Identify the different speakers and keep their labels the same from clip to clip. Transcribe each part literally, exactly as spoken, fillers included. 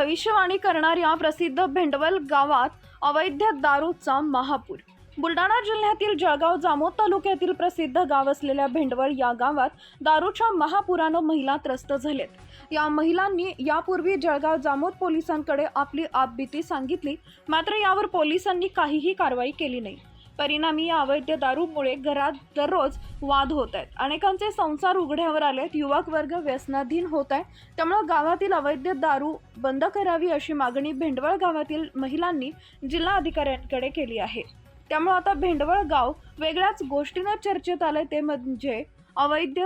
Speaker 1: भविष्यवाणी करणाऱ्या प्रसिद्ध भेंडवल गावात अवैध दारूचा महापूर। बुलढाणा जिल्ह्यातील जळगाव जामोद तालुक्यातील प्रसिद्ध गाव असलेल्या भेंडवळ या गावात दारूच्या महापुरानं महिला त्रस्त झालेत। या महिलांनी यापूर्वी जळगाव जामोद पोलिसांकडे आपली आपबीती सांगितली, मात्र यावर पोलिसांनी काहीही कारवाई केली नाही। परिणामी या अवैध दारूमुळे घरात दररोज वाद होत आहेत, अनेकांचे संसार उघड्यावर आलेत, युवक वर्ग व्यसनाधीन होत आहे। त्यामुळे गावातील अवैध दारू बंद करावी अशी मागणी भेंडवळ गावातील महिलांनी जिल्हा अधिकाऱ्यांकडे केली आहे। त्यामुळे आता भेंडवळ गाव वेगळ्याच गोष्टीने चर्चेत आले, ते म्हणजे अवैध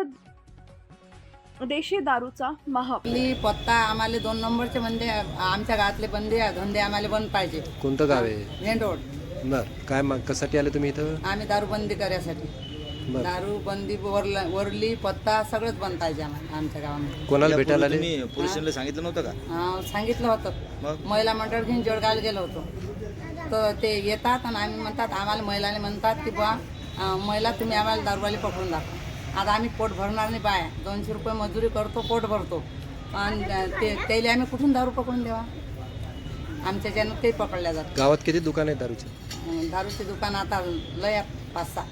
Speaker 1: देशी दारूचा महापूर।
Speaker 2: पत्ता आम्हाला दोन नंबरचे बंदे, आमच्या गावातले बंदे धंदे आम्हाला बंद पाहिजे।
Speaker 3: कोणतं गाव आहे?
Speaker 2: भेंडवळ।
Speaker 3: बर, काय मग कशासाठी आले तुम्ही इथं?
Speaker 2: आम्ही दारू बंदी करायसाठी। दारू बंदी वरला वरली पत्ता सगळंच बंद पाहिजे आम्हाला आमच्या गावामध्ये।
Speaker 3: कोणाला भेटायला आले?
Speaker 4: तुम्ही पोलिसांना सांगितलं नव्हतं का?
Speaker 2: हा, सांगितलं होतं। महिला मंडळ घेऊन जळगावला गेलो होतो, तर ते येतात आणि आम्ही म्हणतात, आम्हाला महिलाने म्हणतात की बा महिला तुम्ही आम्हाला दारूवाली पकडून दाखवा। आता आम्ही पोट भरणार नाही, बाय दोनशे रुपये मजुरी करतो, पोट भरतो, आणि ते त्याला आम्ही कुठून दारू पकडून देवा? आमच्या ज्यानं ते पकडल्या जातात।
Speaker 3: गावात किती दुकान आहे दारूचे?
Speaker 2: दारूचे दुकान आता लय पाच सहा।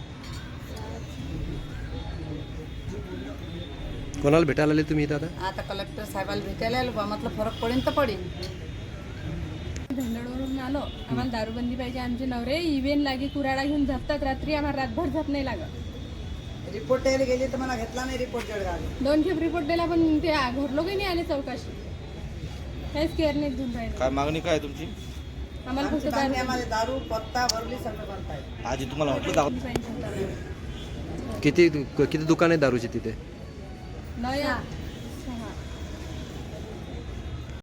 Speaker 3: कोणाला भेटायला आले तुम्ही इथं आता?
Speaker 2: आता कलेक्टर साहेबाला भेटायला आलो, बा म्हटलं फरक पडेल तर पडेल।
Speaker 5: भेंडवळवरून आलो, आम्हाला दारूबंदी पाहिजे। आमचे नवरे इव्हेन लागे कुराडा घेऊन झपतात, रात्री आम्हाला रातभर झप नाही लागत।
Speaker 2: रिपोर्ट द्यायला गेली तर मला घेतला नाही रिपोर्ट जळगाव।
Speaker 5: दोन खेप रिपोर्ट दिला, पण ते घरलोक नाही आले चौकशी, काहीच केअर नाही देऊन राहिले।
Speaker 4: काय मागणी काय तुमची?
Speaker 5: आम्हाला फक्त दारू
Speaker 2: आम्हाला दारू पत्ता भरली सगळं बंद पाहिजे।
Speaker 4: आजी तुम्हाला म्हटलं दाखव.
Speaker 3: किती किती दुकान आहे दारूचे तिथे?
Speaker 5: नया